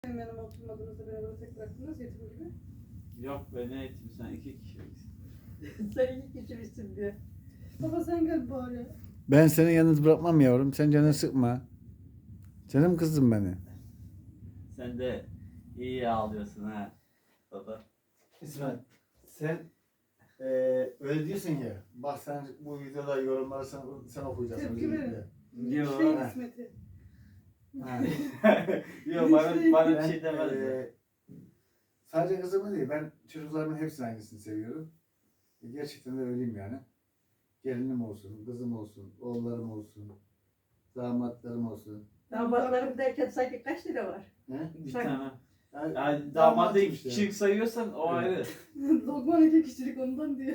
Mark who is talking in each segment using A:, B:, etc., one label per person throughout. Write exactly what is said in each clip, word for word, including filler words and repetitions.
A: Benim yanıma oturmadığınızda beni böyle tek bıraktınız yetim gibi.
B: Yok be ne eğitim sen iki kişiliksin.
C: Sen iki kişisin diyor.
A: Baba sen gel bari.
D: Ben seni yalnız bırakmam yavrum. Sen canını sıkma. Canım kızım beni.
B: Sen de iyi ağlıyorsun ha baba.
D: İsmail sen eee öyle diyorsun ya. Bak sen bu videoda yorumları sen, sen okuyacaksın.
A: Tepki verin.
B: Yok.
A: Şey
D: ha.
A: kısmeti.
D: Ha.
B: Yok bana, bana bir
D: Ben,
B: şey demez.
D: eee, sadece kızımı değil, ben çocuklarımın hepsinin aynısını seviyorum. E, Gerçekten de öyleyim yani. Gelinim olsun, kızım olsun, oğullarım olsun, damatlarım olsun.
C: Damatlarım derken sanki kaç lira var?
D: He?
B: Bir
C: Sen-
B: tane.
D: Yani,
B: Yani damadı iki
D: işte.
B: kişilik sayıyorsan o ayrı.
A: Lokman iki kişilik ondan diyor.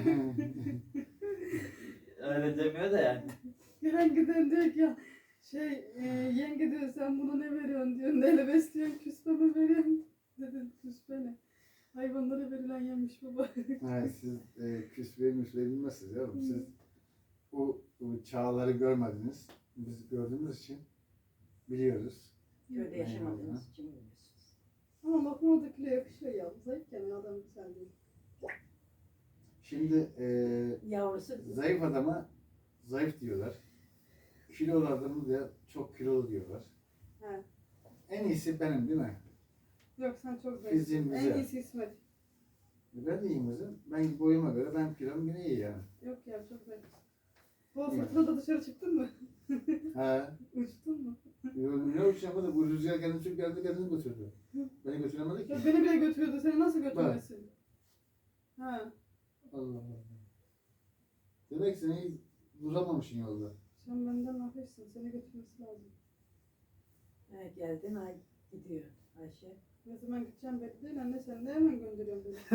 B: Öyle demiyor da yani.
A: Gelen giden diyor ki ya şey e, yenge diyor sen buna ne veriyorsun diyor. Neyle besliyorsun küspe mi veriyorsun? Dedim küspe ne? Hayvanlara verilen yemiş baba.
D: Yani siz e, küsmeyi müsmeyi bilmezsiniz yavrum. Siz bu, bu çağları görmediniz. Biz gördüğümüz için biliyoruz.
C: Köyde yaşamadığınız için biliyorsunuz.
A: Ama Lokman'dakiyle yakışıyor ya. Zayıfken adam güzel değil.
D: Şimdi e,
C: Yavrusu
D: zayıf adama zayıf diyorlar. Kilolu adamı da çok kilolu diyorlar.
A: He.
D: En iyisi benim değil mi?
A: Yok sen çok
D: Fiziğin
A: zayıfsın. En
D: güzel.
A: iyisi İsmet.
D: Ben de iyiyim kızım. Ben boyuma göre ben kilom yine iyi yani.
A: Yok ya çok zayıfsın. Bu fırtınada dışarı çıktın mı?
D: Ha.
A: Uçtun mu?
D: Yo, ne olmuş yapmadı? Bu rüzgar kendini çok geldi kendini götürdü. Beni götüremedi ki.
A: Ya beni bile götürüyordu. Seni nasıl götürmesin? Ha.
D: Allah Allah. Demek ki sen iyi duramamışsın yolda.
A: Sen benden hafifsin. Seni götürmesi lazım.
C: ha, geldin ay gidiyor Ayşe.
A: Ne zaman gideceğim belli değil. Anne sen de hemen gönderiyorsun beni.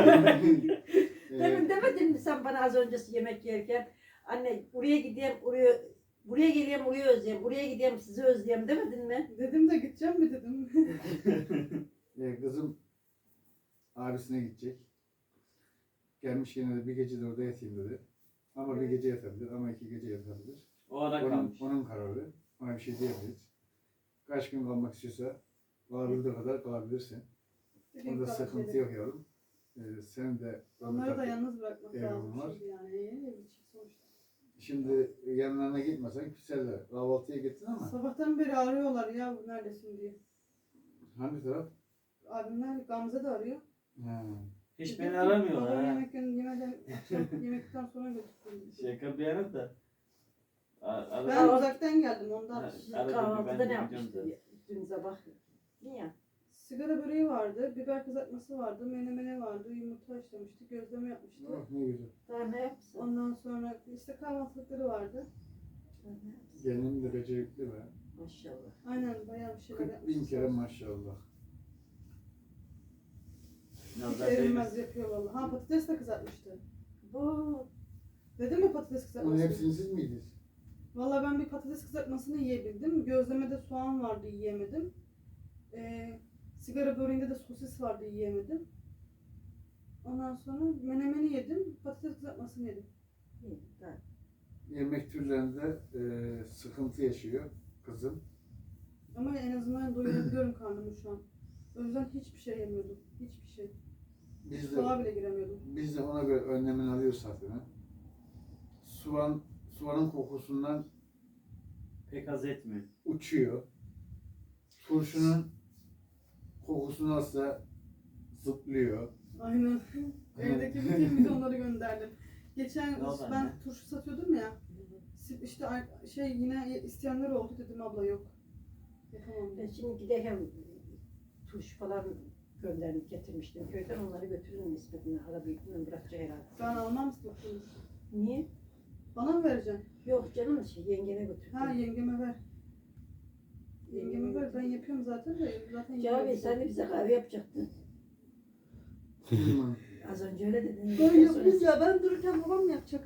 C: Demin
D: Ee,
C: demedin mi sen bana az öncesi yemek yerken anne buraya gideyim oraya buraya geleyim oraya özleyeyim buraya gideyim sizi özleyeyim demedin mi?
A: Dedim de gideceğim mi dedim.
D: e, kızım abisine gidecek. Gelmiş yine de bir gece de orada yatayım dedi. Ama bir gece yatabilir ama iki gece yatabilir.
B: O ara
D: Onun,
B: kalmış.
D: onun kararı. Ona bir şey diyemeyiz. Kaç gün kalmak istiyorsa kalabildiği kadar kalabilirsin. Onda sıkıntı yok yavrum. Ee, sen de
A: Onları da yalnız bırakmak
D: Eyvallah.
A: lazım şimdi yani. Ev içi sonuçta.
D: Şimdi yanlarına gitmesen küserler. Kahvaltıya gittin ama
A: Sabahtan beri arıyorlar ya bu neredesin diye.
D: hangi taraf?
A: Abimler Gamze de arıyor.
D: Ha.
B: Hiç
A: Dedim
B: beni
A: ki,
B: aramıyorlar
A: babam
B: ha.
A: yemek yemeden akşam yemekten sonra götürdüm.
B: Şaka bir yana da. A- ara-
A: Ben uzaktan geldim ondan.
B: Ha.
C: Siz
B: Arada bir ben
C: kahvaltıda
B: de
C: ne
B: gidiyorum
C: yapmıştın
B: zaten.
C: dün sabah? Niye?
A: Sigara böreği vardı, biber kızartması vardı, menemene vardı, yumurta haşlamıştı, gözleme yapmıştı.
D: Oh, ne güzel.
C: Daha ne yapsın?
A: Ondan sonra işte kahvaltılıkları vardı.
C: Daha ne yapsın?
D: Gelinim de becerikli be.
C: Maşallah.
A: Aynen bayağı bir şeyler
D: kırk bin
A: yapmıştı.
D: kere maşallah.
A: Hiç
B: Nazar
A: erinmez
B: değmesin.
A: yapıyor vallahi. Ha patates de kızartmıştı.
C: Bu
A: Dedim mi patates
D: Onun
A: kızartması?
D: hepsini siz miydiniz?
A: Vallahi ben bir patates kızartmasını yiyebildim. Gözlemede soğan vardı yiyemedim. Ee, sigara böreğinde de sosis vardı yiyemedim. Ondan sonra menemeni yedim, patates kızartmasını yedim.
C: iyi. Daha.
D: Yemek türlerinde e, sıkıntı yaşıyor kızım.
A: Ama en azından doyurabiliyorum karnımı şu an. O yüzden hiçbir şey yemiyordum. Hiçbir şey.
D: Biz de,
A: Soğuğa bile giremiyordum.
D: biz de ona göre önlemini alıyoruz zaten. ha. Soğan, soğanın kokusundan
B: Pek haz etmiyor.
D: uçuyor. Turşunun kokusunu alsa zıplıyor.
A: Aynen. Evdeki bütün bidonları gönderdim. Geçen
B: Ne oldu
A: ben
B: anne?
A: turşu satıyordum ya. İşte ar- şey yine isteyenler oldu dedim abla yok. Yapamam
C: Ben
A: dedim.
C: şimdi giderken turşu falan gönderdim getirmiştim köyden onları götürürüm nispetine. Ara büyüklüğünü bırakacak herhalde.
A: Ben almam istedim.
C: Niye?
A: Bana mı vereceksin?
C: Yok canım şey yengene götürdüm.
A: Ha yengeme ver. Yengeme ver ben yapıyorum zaten de zaten
C: Cavi
A: yengeme
C: sen de bize kahve yapacaktın.
D: Kızım,
C: Az önce öyle dedin.
A: Ben yapayım ya ben dururken babam mı yapacak?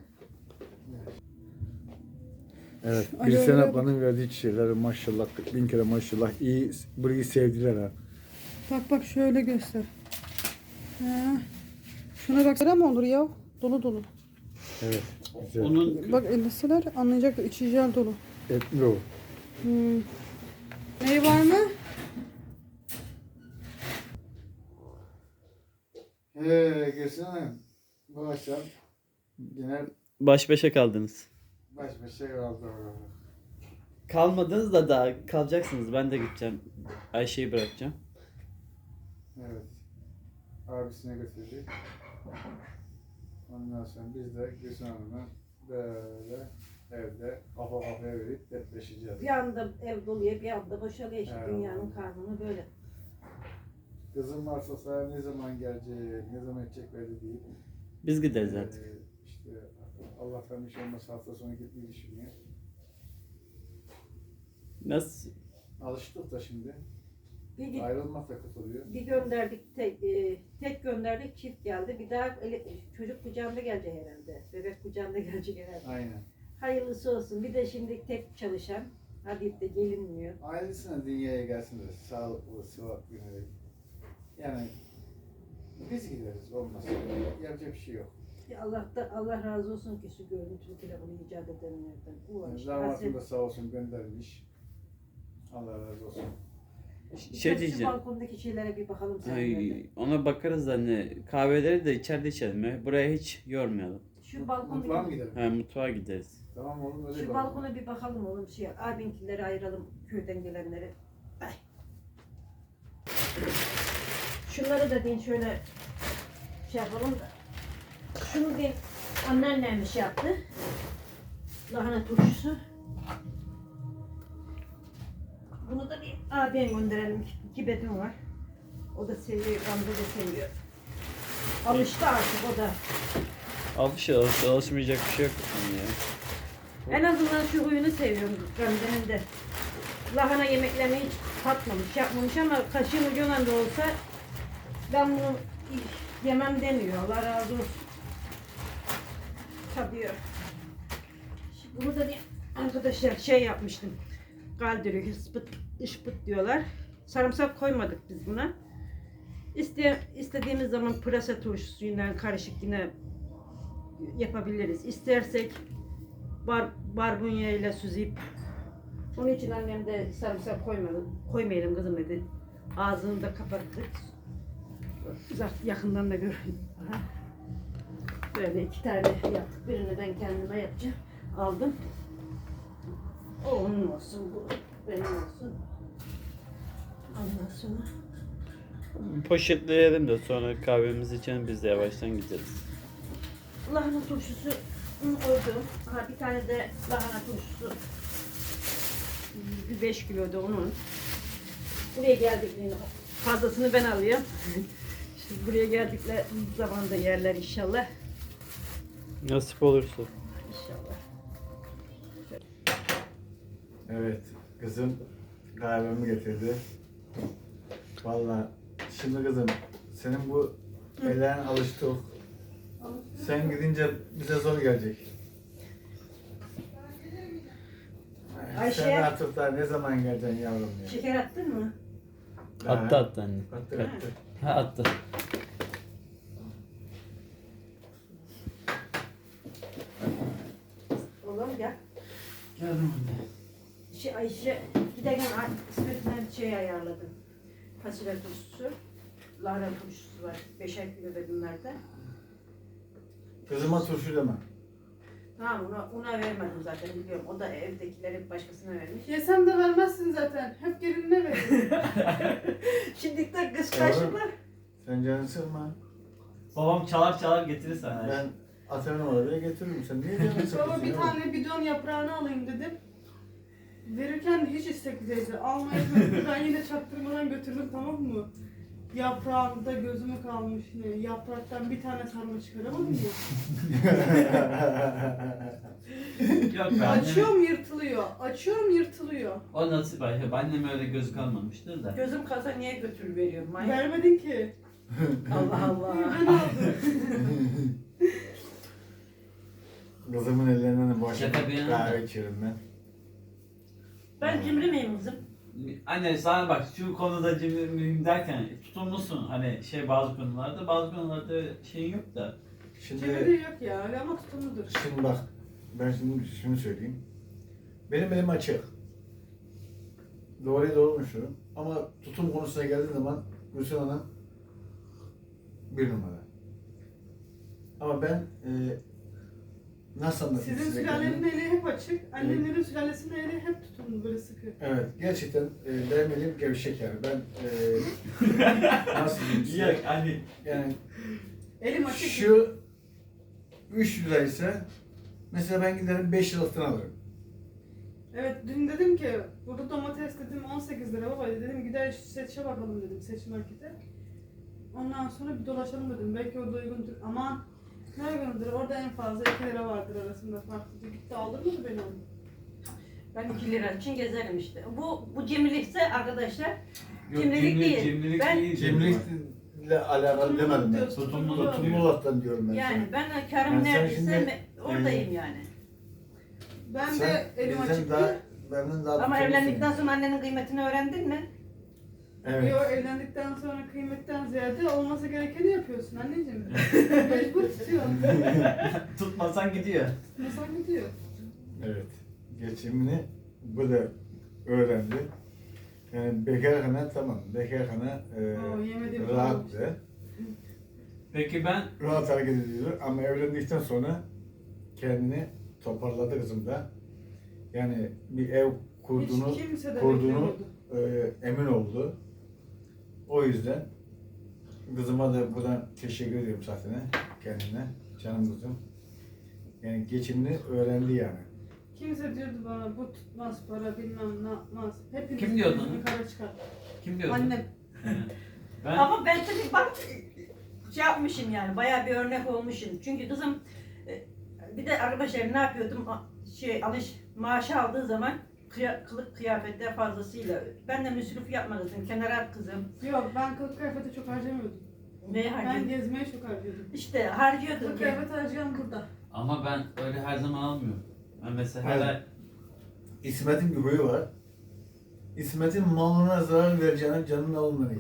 D: Evet,
A: Alo,
D: Gülsen
A: alo.
D: ablanın verdiği çiçekleri maşallah, kırk bin kere maşallah iyi, burayı sevdiler ha.
A: Bak bak şöyle göster. Ha. Şuna baksana mı olur ya? Dolu dolu.
D: Evet, güzel.
B: Onun
A: Bak elbiseler anlayacaklar içi jel dolu.
D: Etli o.
A: Hmm. Ney var mı?
D: Ee, Gülsün Hanım, bu akşam yine
B: Baş başa kaldınız.
D: baş başa kaldı.
B: Kalmadınız da daha kalacaksınız. Ben de gideceğim. Ayşe'yi bırakacağım.
D: Evet. Abisine götürdük. Ondan sonra biz de Gülsün Hanım'la böyle evde kafa kafaya verip dertleşeceğiz.
C: Bir anda ev doluyor, bir anda boşalıyor işte
D: Evet.
C: dünyanın kanunu böyle.
D: Kızım varsa sana ne zaman gelecek, ne zaman edecek belli değil.
B: Biz gideriz artık.
D: Ee, işte Allah'tan bir şey olmasa hafta sonu gitmeyi düşünüyor.
B: Nasıl?
D: Alıştık da şimdi.
C: Bir, git-
D: Ayrılmak da kötü oluyor.
C: bir gönderdik, tek, e, tek gönderdik, çift geldi. Bir daha ele- çocuk kucağında gelecek herhalde. Bebek kucağında gelecek herhalde.
D: Aynen.
C: Hayırlısı olsun. Bir de şimdi tek çalışan. Hadi de gelinmiyor.
D: Ailesine dünyaya gelsin de sağlıklı, sıhhatli yönelik. Yani biz gideriz olmazsa. Yapacak bir şey yok.
C: Ya Allah da Allah razı olsun ki şu görüntülü telefonu icat edenlerden. Ulan
D: Yani
C: işte
D: damatım da
C: hasret-
D: sağ olsun göndermiş. Allah razı olsun.
B: Şey
C: Şu
B: diyeceğim.
C: balkondaki şeylere bir bakalım seninle.
B: Ay, ona bakarız da hani kahveleri de içeride içelim ya. Buraya hiç yormayalım.
C: Şu
D: Mutfağa mı
C: balkondaki
D: gidelim?
B: Ha, mutfağa gideriz.
D: Tamam oğlum öyle
C: şu
D: yapalım.
C: balkona bir bakalım oğlum şey. Abinkileri ayıralım köyden gelenleri. Ay. Şunları da deyin şöyle şey yapalım da. Şunu deyin anneannem şey yaptı. Lahana turşusu. Bunu da bir abiye gönderelim. İki bedun var. O da seviyor, Gamze de seviyor. Alıştı artık o da.
B: Alış alış alışmayacak bir şey yok yani ya.
C: En azından şu huyunu seviyorum Gamze'nin de. Lahana yemeklerini hiç tatmamış, yapmamış ama kaşığın ucundan da olsa ben bunu yemem demiyor. Allah razı olsun. Tadıyor. Şimdi bunu da bir arkadaşlar şey yapmıştım. Kaldırıyor, hıspıt, ışpıt diyorlar. Sarımsak koymadık biz buna. İste, istediğimiz zaman pırasa turşusuyla karışık yine yapabiliriz. İstersek bar, barbunya ile süzüp onun için annem de sarımsak koymadı. Koymayalım kızım dedi. Ağzını da kapattık. Uzak yakından da görün. Aha. Böyle iki tane yaptık. Birini ben kendime yapacağım. Aldım. O onun olsun, bu benim olsun. Ondan sonra
B: Poşetleyelim de sonra kahvemizi içelim, biz de yavaştan gideriz.
C: lahana turşusu koydum. Ha, bir tane de lahana turşusu. Bir beş kilo da onun. Buraya geldiklerinde fazlasını ben alıyorum. Şimdi buraya geldikleri zaman da yerler inşallah.
B: Nasip olursa.
C: İnşallah.
D: Evet, kızım kahvemi getirdi. Vallahi şimdi kızım, senin bu ellerin alıştı. Sen gidince bize zor gelecek.
C: Ayşe.
D: Sen artık daha ne zaman geleceksin yavrum ya?
C: Şeker attın mı?
B: Attı attı anne.
D: Attı attı.
B: Ha attı.
C: Oğlum gel.
B: Geldim anne.
C: Şey, Ayşe giderken İsmet'den şey ayarladım. Fasulye turşusu. Lahana turşusu var. Beşer kilo da bunlarda.
D: Kızıma turşu deme.
C: Tamam ona, ona vermedim zaten biliyorum. O da evdekileri başkasına vermiş.
A: Yesem de vermezsin zaten. Hep gelinine verin.
C: Şimdi de kıskançlıklar.
D: Sen canını sıkma.
B: Babam çalar çalar getirir sana.
D: Ben atarım oraya getiririm. Sen niye canını sıkıyorsun?
A: Baba bir
D: ya?
A: tane bidon yaprağını alayım dedim. Verirken de hiç istekli değildi. Almayı ben yine çaktırmadan götürdüm, tamam mı? Yaprağımda gözüme kalmış yine. Yapraktan bir tane sarma çıkaramadım ya.
B: Yok be annem.
A: Açıyorum yırtılıyor. Açıyorum yırtılıyor.
B: O nasip Ayşe. Annem öyle gözü kalmamıştır da.
C: Gözüm kalsa niye götür veriyorum manyak?
A: Vermedin ki.
C: Allah Allah.
A: Ben aldım.
D: Kızımın ellerinden de boş
B: Şaka bir yana.
D: kahve içiyorum ben.
C: Ben cimri miyim kızım?
B: Anne sana bak şu konuda cimri miyim derken tutumlusun hani şey bazı konularda bazı konularda şeyin yok da.
D: Şimdi,
A: Cemre yok ya öyle ama tutumludur.
D: şimdi bak, ben şimdi şunu söyleyeyim. Benim elim açık. Doğruya doğru konuşuyorum. Ama tutum konusuna geldiği zaman Gülsün Hanım bir numara. Ama ben e, nasıl anlatayım
A: Sizin
D: size
A: sülalenin
D: kendimi?
A: eli hep açık. Annemlerin sülalesinin eli hep tutumlu böyle sıkı.
D: Evet, gerçekten e, benim elim gevşek yani. Ben e, nasıl diyeyim size?
B: Yok hani
D: Yani
A: Elim açık.
D: şu üç lira ise mesela ben giderim beş liralıktan alırım.
A: Evet dün dedim ki burada domates dedim on sekiz lira baba dedim gider seçe bakalım dedim seç markete. Ondan sonra bir dolaşalım dedim belki orada uygundur. Aman ne uygundur orada en fazla iki lira vardır arasında farklı. Gitti alır mı beni onu?
C: Ben iki lira için gezerim işte. Bu bu cimrilikse arkadaşlar
B: yok,
C: Cimrilik
B: cimri-
C: değil.
B: Cimrilik
C: Ben-
B: değil.
D: Cimrilikle alakalı demedim ben.
A: diyorsun,
B: Tutumlu
A: tutumlu.
B: da
D: Tutumlu laftan diyorum ben
C: yani
D: sana.
C: ben karım
D: Yani sen
C: neredeyse
D: şimdi,
C: me- oradayım yani.
A: Ben
D: Sen
A: de elim
D: bizden
A: açık
D: daha,
A: değil.
D: benden daha
C: Ama
D: tutumlusun.
C: evlendikten sonra annenin kıymetini öğrendin mi?
D: Evet.
A: Yo evlendikten sonra kıymetten ziyade olması gerekeni yapıyorsun anneciğim. Mecbur tutuyorsun.
B: Tutmasan gidiyor.
A: Masal gidiyor.
D: Evet. Geçimini bu da öğrendi. Yani bekarhane tamam. Bekarhane e,
A: Oo, yemediğim
D: rahattı.
B: Peki ben
D: Rahat hareket ediyordu ama evlendikten sonra kendini toparladı kızım da. Yani bir ev kurduğunu,
A: Hiç kimse de
D: kurduğunu
A: beklemiyordu.
D: e, emin oldu. O yüzden kızıma da buradan teşekkür ediyorum zaten kendine. Canım kızım. Yani geçimini öğrendi yani.
A: Kimse diyordu bana bu tutmaz para bilmem ne yapmaz. Hepiniz
B: Kim diyordu
A: yüzünü
B: onu?
A: kara çıkar.
B: kim diyordu?
A: Annem.
B: He. Ben
C: Ama ben tabii bak şey yapmışım yani bayağı bir örnek olmuşum. Çünkü kızım e, bir de arkadaşlar ne yapıyordum A- şey alış maaşı aldığı zaman kıya, kılık kıyafetler fazlasıyla. Ben de müsrif yapma dedim. Kenara at kızım.
A: Yok ben kılık kıyafeti çok harcamıyordum.
C: Ne
A: Ben
C: harcıyordum?
A: gezmeye çok harcıyordum.
C: İşte harcıyordum.
A: Kılık
C: ki.
A: kıyafet harcayan burada.
B: ama ben öyle her zaman almıyorum. Ben mesela
D: Evet.
B: her ay
D: İsmet'in bir huyu var. İsmet'in malına zarar vereceğine canının alınmayı.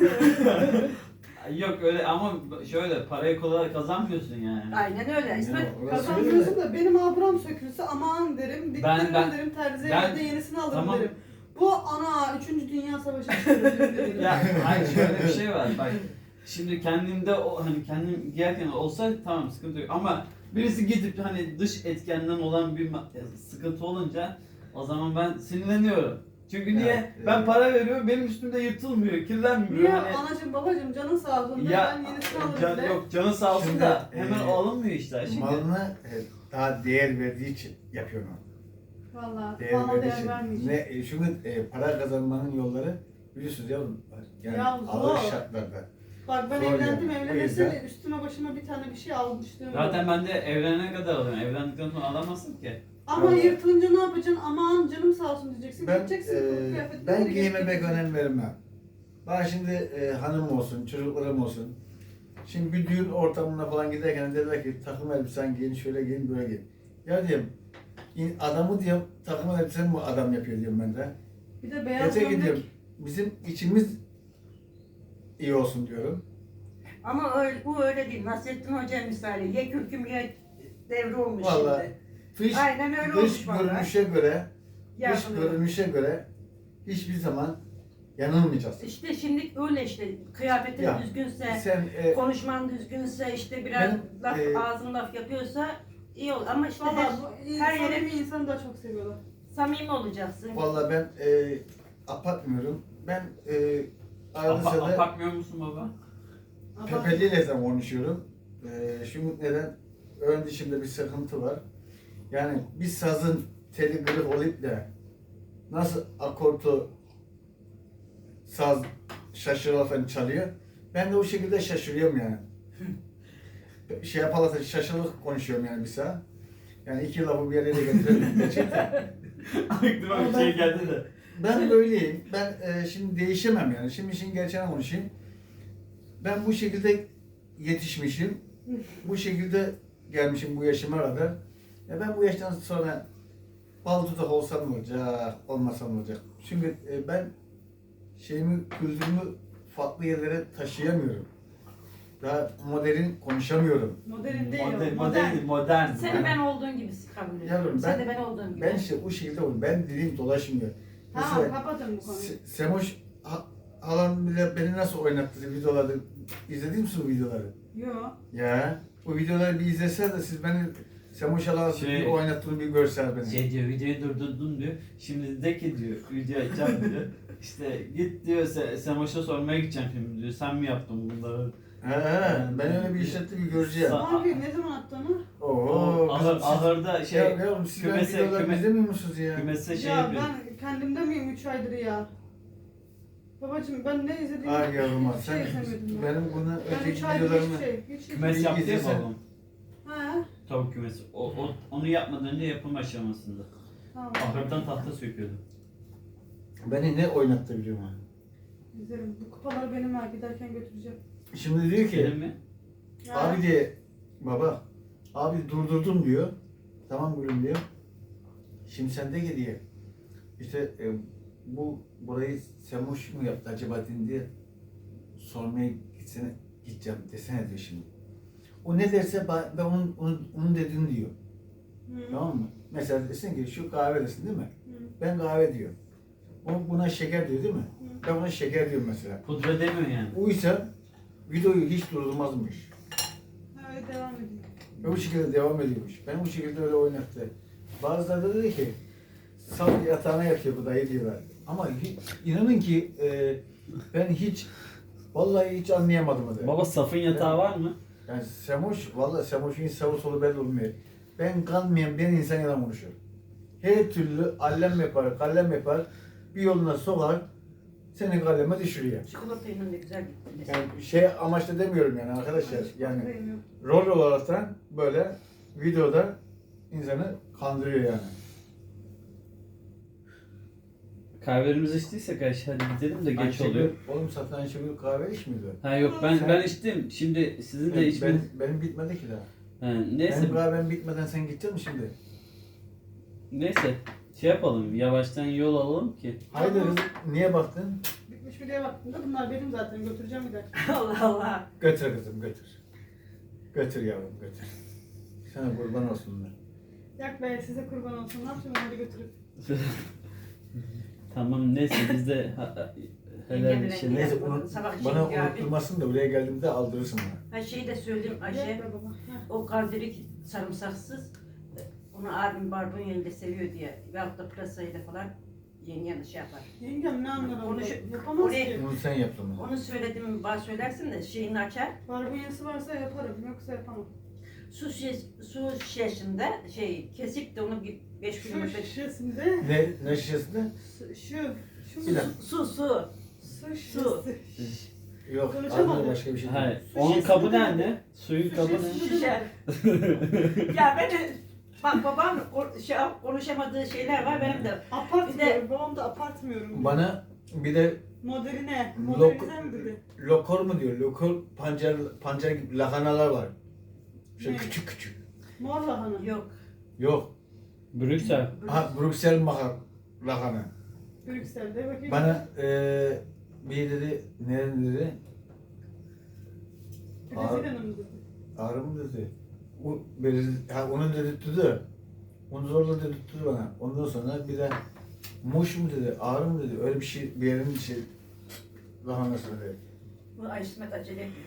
B: yok öyle ama şöyle parayı kolay kazanmıyorsun yani.
C: Aynen öyle. İsmet
D: Ya, orası
A: Kazanmıyorsun
D: öyle.
A: da benim abram sökülse aman derim. Diktirin
B: ben-
A: derim terziye
B: ben-
A: ben, de yenisini alırım
B: tamam.
A: derim. Bu ana üçüncü Dünya Savaşı çıkarır derim.
B: Ya hayır şöyle bir şey var bak. Şimdi kendimde o hani kendim giyerken olsa tamam sıkıntı yok ama birisi gidip hani dış etkenden olan bir ma- sıkıntı olunca o zaman ben sinirleniyorum. Çünkü niye?
D: Evet,
B: Ben
D: evet.
B: para veriyorum benim üstümde yırtılmıyor, kirlenmiyor.
A: Niye
B: Hani,
A: anacığım babacığım canın sağ olsun de
B: ya
A: ben yenisini alırım
B: can,
A: de.
B: yok canı sağ olsun
D: Şimdi,
B: da hemen
D: e,
B: alınmıyor işte. Şimdi
D: Malına e, daha değer verdiği için yapıyor onu.
A: Valla
D: Değer
A: bana
D: verdiği
A: değer
D: için.
A: vermeyecek.
D: Ne, e, çünkü e, para kazanmanın yolları biliyorsunuz yavrum. Yani
A: Ya
D: ağır
A: zor.
D: şartlarda.
A: Bak ben
D: Zor
A: evlendim
D: yani. O
A: evlenmesine
D: yüzden-
A: üstüme başıma bir tane bir şey almıştım.
B: zaten ben de evlenene kadar alıyorum. Evlendikten sonra alamazsın ki.
A: Ama
D: Vallahi.
A: yırtılınca ne yapacaksın? Aman canım sağ olsun diyeceksin.
D: Ben,
A: Gideceksin
D: e,
A: kılık kıyafetini
D: ben
A: de
D: giyime pek
A: giyeceksin.
D: önem vermem. Bana şimdi e, hanım olsun, çocuklarım olsun. Şimdi bir düğün ortamına falan giderken dediler ki takım elbisen giyin, şöyle giyin, böyle giyin. Ya diyorum, in- adamı diyorum takım elbisen mi adam yapıyor diyorum ben de.
A: Bir de beyaz
D: Gerçek
A: gömlek.
D: diyorum, bizim içimiz iyi olsun diyorum.
C: ama öyle, bu öyle değil. Nasrettin Hoca misali ye kürküm ye devri olmuş
D: Vallahi
C: şimdi.
D: Dış,
C: Aynen öyle
D: dış
C: olmuş vallahi.
D: görünüşe göre, dış
C: Yapılıyorum.
D: görünüşe göre hiçbir zaman yanılmayacağız.
C: İşte şimdi öyle işte kıyafetin
D: Ya,
C: düzgünse,
D: Sen e,
C: konuşman düzgünse, işte biraz
D: Benim,
C: laf
D: e,
C: ağzın laf yapıyorsa iyi olur. Ama işte her,
A: Valla bu
C: her
A: her
C: yere-
A: yere bir insanı daha çok seviyorlar.
C: samimi olacaksın.
D: vallahi ben e, apatmıyorum. Ben e, arada
B: Apa,
D: sırada
B: apakmıyor musun baba?
A: Ama
D: Pepeli'yle de konuşuyorum. E, çünkü neden? Ön dişimde bir sıkıntı var. Yani bir sazın teli kırık olup da nasıl akortu saz şaşırırken çalıyor. Ben de o şekilde şaşırıyorum yani. şey yaparlarsa şaşırılık konuşuyorum yani bir saat. Yani iki lafı bir yere de getirelim gerçekten.
B: Aklıma bir şey geldi de.
D: Ben böyleyim. Ben e, şimdi değişemem yani. Şimdi işin gerçeğini konuşayım. Ben bu şekilde yetişmişim. Bu şekilde gelmişim bu yaşıma kadar. Ya ben bu yaştan sonra bal tutak olsam ne olacak, olmasam ne olacak? Çünkü e, ben şeyimi, kültürümü farklı yerlere taşıyamıyorum. Daha modern konuşamıyorum.
A: modern değil
B: Modern,
A: o.
B: modern, değil, modern.
C: Seni
D: Yani-
C: ben olduğun gibi kabul ediyorum.
D: Yavrum,
C: Sen
D: ben-
C: de ben olduğum gibi.
D: Ben işte o şekilde oluyorum. Ben dilim dolaşmıyor.
A: Tamam
D: Mesela
A: kapatın bu konuyu.
D: Se- Semoş ha- halam bile beni nasıl oynattı videoları. İzledin mi o videoları?
A: Yo.
D: Ya O videoları bir izleseniz de siz beni Semoş Allah'ın
B: Şey-
D: bir oynattığını bir görseniz beni.
B: Şey diyor, videoyu durdurdum diyor. Şimdi de ki diyor, video açacağım diyor. İşte git diyor, Se Semoş'a sormaya gideceğim şimdi diyor. Sen mi yaptın bunları?
D: He he, ben öyle bir işlettim bir göreceğim.
B: Sa-
A: Ne yapayım? Ne zaman attı onu?
D: Oo,
B: Ahır,
D: kızım siz-
B: ahırda şey,
D: ya yavrum siz benim
B: kümese,
D: videolarımı
B: küme,
D: izlemiyor musunuz ya?
B: kümese şey
A: Ya
B: yapıyor.
A: ben kendimde miyim üç aydır ya? Babacım ben ne izlediğimi
D: Ay yavrum ha,
A: hiçbir
D: sen
A: şey izlemedim ben.
D: benim bunu
A: Ben
D: öteki
A: üç aydır
D: videolarımı...
A: hiçbir şey, hiçbir
B: Kümes
A: şey.
B: yaptı ya
D: izlesen-
B: babam.
A: He,
B: Tavuk kümesi. O, o, onu yapmadan önce yapım aşamasında.
A: tamam.
B: Ahırdan tahta söküyordu.
D: Beni ne oynattı biliyor musun?
A: İzlerim. Bu kupaları benim ha giderken götüreceğim.
D: Şimdi diyor ki,
B: Gelin mi?
A: Ya,
D: abi diye, baba, abi durdurdum diyor. Tamam gülüm diyor. Şimdi sen de ki diye, işte e, bu burayı Semoş mu yaptı acaba diye sormaya gitsene, gideceğim desene diyor şimdi. O ne derse ben ben onun, onun, onun dediğini diyor.
A: Hı.
D: Tamam mı? Mesela desin ki şu kahve desin değil mi?
A: Hı.
D: Ben kahve diyor. O buna şeker diyor değil mi?
A: Hı.
D: Ben buna şeker diyorum mesela.
B: Pudra demiyor yani.
D: Uysa videoyu hiç durdurmazmış.
A: Ha, öyle devam ediyor.
D: Ve bu şekilde devam ediyormuş. Ben bu şekilde öyle oynattı. Bazıları da dedi ki sal yatağına yatıyor bu dayı diyorlar. Ama hiç, inanın ki e, ben hiç vallahi hiç anlayamadım dedi.
B: Baba safın yatağı var mı?
D: Yani Semoş, vallahi Semoş'un sağı solu belli olmuyor. Ben kanmayan ben insan yalan konuşuyor. Her türlü allem yapar, kallem yapar, bir yoluna sokar, seni kalleme düşürüyor.
C: Çikolatayla da güzel gitti mesela.
D: Yani şey amaçla demiyorum yani arkadaşlar. Yani
A: Bakayım yok.
D: rol olaraktan böyle videoda insanı kandırıyor yani.
B: Kahvelerimizi içtiysek Ayşe hadi gidelim de geç
D: Ayşegül-
B: oluyor.
D: Oğlum zaten Ayşegül kahve içmiyordu.
B: Ha yok ben
D: Sen-
B: ben içtim. Şimdi sizin de
D: Ben,
B: içmeniz.
D: benim bitmedi ki daha.
B: Ha, neyse
D: Benim kahvem bitmeden sen gidecek misin şimdi?
B: neyse şey yapalım. Yavaştan yol alalım ki.
D: Haydi kızım niye baktın?
A: Bitmiş mi diye baktım da bunlar benim zaten götüreceğim bir dakika.
C: Allah Allah.
D: Götür kızım götür. Götür yavrum götür. Sana kurban olsunlar.
A: Yak be size kurban olsun. Ne yapacağım onları götürüp?
B: Tamam neyse biz de ha- ha- helal
C: Yengemle
B: şey.
C: gidelim.
D: Neyse unut,
C: Sabah için
D: bana
C: ya,
D: unutturmasın da buraya geldiğimde aldırırsın bana.
C: Ha şeyi de söyleyeyim Ayşe.
A: Yak be baba. Heh.
C: O kaldirik sarımsaksız. Onu abim barbunyayla seviyor diye. Veyahut da pırasayla falan yengen şey yapar.
A: Yengem ne anlar
C: Onu
A: onda?
C: şu-
A: Yapamaz
C: oraya-
A: ki.
D: Bunu sen yaptın mı?
C: Onu söyledim bana söylersin de şeyini açar.
A: Barbunyası varsa yaparım. Yoksa yapamam.
C: Su şiş, su şişesinde şey kesip de onu bir beş
A: Şu
C: kilometre
A: şişesinde.
D: Ne, ne şişesinde?
A: Şu. Şu. Şu.
D: Bir dakika.
C: su su.
A: Su şişesi.
D: Yok,
A: Konuşamadım.
D: ağzına başka bir şey değil.
B: Hayır.
A: Su
B: Onun
A: şişesi
B: kabı
A: mi?
B: ne anne? Suyun
A: Su
B: kabı ne?
A: şişesi.
C: Şişer. Ya ben bak babam o- şey, konuşamadığı şeyler var benim de.
A: Apartmıyorum. Babam da apartmıyorum.
D: Bana bir de
A: Moderine.
D: Lok-
A: Modernize mi dedi?
D: lokor mu diyor? Lokor pancar pancar gibi lahanalar var. Şöyle
A: Ne?
D: küçük küçük.
A: Mor lahana.
C: Yok.
D: Yok.
B: Brüksel.
D: Ha Brüksel mahar lahana.
A: Brüksel'de bakayım.
D: Bana eee bir dedi ne dedi?
A: Brezilya'nın mı dedi?
D: Ağrı mı dedi? O, beri- ha, onu dedirtti. Onu zorla dedirtti bana. Ondan sonra bir de muş mu dedi, ağrı mı dedi. Öyle bir şey bir yerin bir şey lahanası dedi.
C: Bu Ay İsmet acele ediyor.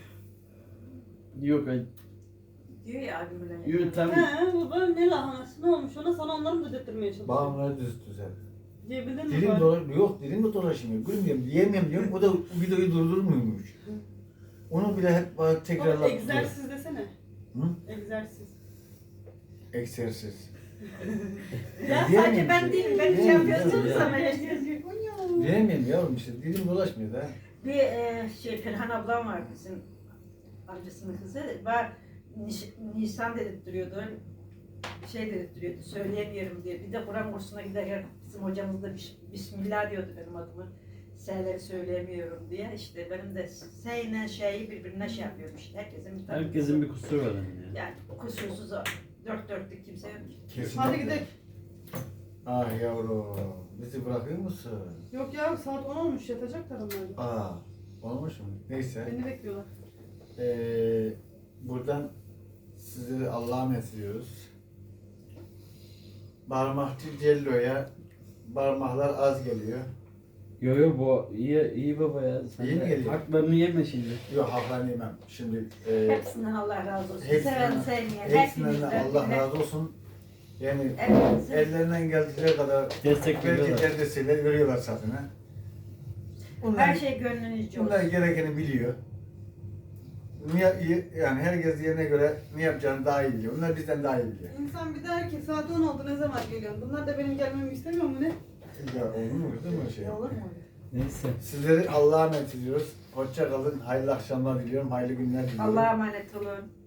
B: Yok ay.
C: Diyor ya abim öyle.
B: Yok tam.
A: He baba ne lahanası ne olmuş ona sana onları mı dedirtmeye çalışıyor?
D: Bağımları düzüttü sen.
A: Diyebildin mi
D: Dilim
A: bari?
D: dolar, yok dilim de dolaşmıyor. Gülmüyorum, diyemiyorum diyorum. O da videoyu durdurmuyormuş. Onu bile hep bana
A: Baba,
D: tekrarlattı.
A: egzersiz desene.
D: Hı?
A: Egzersiz.
D: Egzersiz.
C: Ya
D: Diyemiyorum
C: sadece ben
D: işte.
C: değilim. Ben şey
D: Diyemiyorum,
C: yapıyorsunuz
D: diyemiyorum.
C: ama işte.
D: Diyemiyorum yavrum işte. Dilim dolaşmıyor da.
C: Bir e, şey Ferhan ablam var bizim amcasının kızı. Var Niş, Nisan dedirtiyordu. Şey dedirtiyordu. Söyleyemiyorum diye. Bir de Kur'an kursuna giderken bizim hocamız da bis- Bismillah diyordu benim adımı. S'leri söyleyemiyorum diye. İşte benim de S ile şeyi birbirine şey yapıyorum işte. Herkesin bir tane
B: Herkesin bir kusuru var yani.
C: yani kusursuz o. Dört dörtlük kimse yok.
D: Kesinlikle.
A: Hadi gidelim.
D: Ah yavrum. Bizi bırakıyor musun?
A: Yok ya saat on olmuş yatacaklar onlar. da.
D: Aa. Olmuş mu? Neyse.
A: Beni bekliyorlar.
D: Ee, buradan sizi Allah'a emanet ediyoruz. Barmakçı Cello'ya barmaklar az geliyor.
B: Yo yo bu iyi iyi baba ya. Sen
D: İyi mi
B: de
D: geliyor?
B: haklarını yeme şimdi.
D: Yok haklarını yemem. Şimdi e,
C: Hepsinden Allah razı olsun.
D: hepsinden-
C: Seven sevmeyen.
D: hepsinden de
C: hepimizden
D: Allah
C: birine-
D: razı olsun. Yani
C: Hepimizin-
D: ellerinden geldiği kadar
B: Destek
D: belki
B: veriyorlar.
D: derdesiyle veriyorlar satını. Bunlar,
C: Her şey gönlünüzce olsun.
D: bunlar gerekeni biliyor. Niye, yani herkes yerine göre ne yapacağını daha iyi biliyor. Bunlar bizden daha iyi biliyor.
A: İnsan bir der ki saat on oldu ne zaman geliyorsun? Bunlar da benim gelmemi istemiyor mu ne?
D: Ya olur mu? Değil mi o şey?
C: Olur mu?
B: Neyse.
D: Sizleri Allah'a emanet ediyoruz. Hoşça kalın. Hayırlı akşamlar diliyorum. Hayırlı günler diliyorum.
C: Allah'a emanet olun.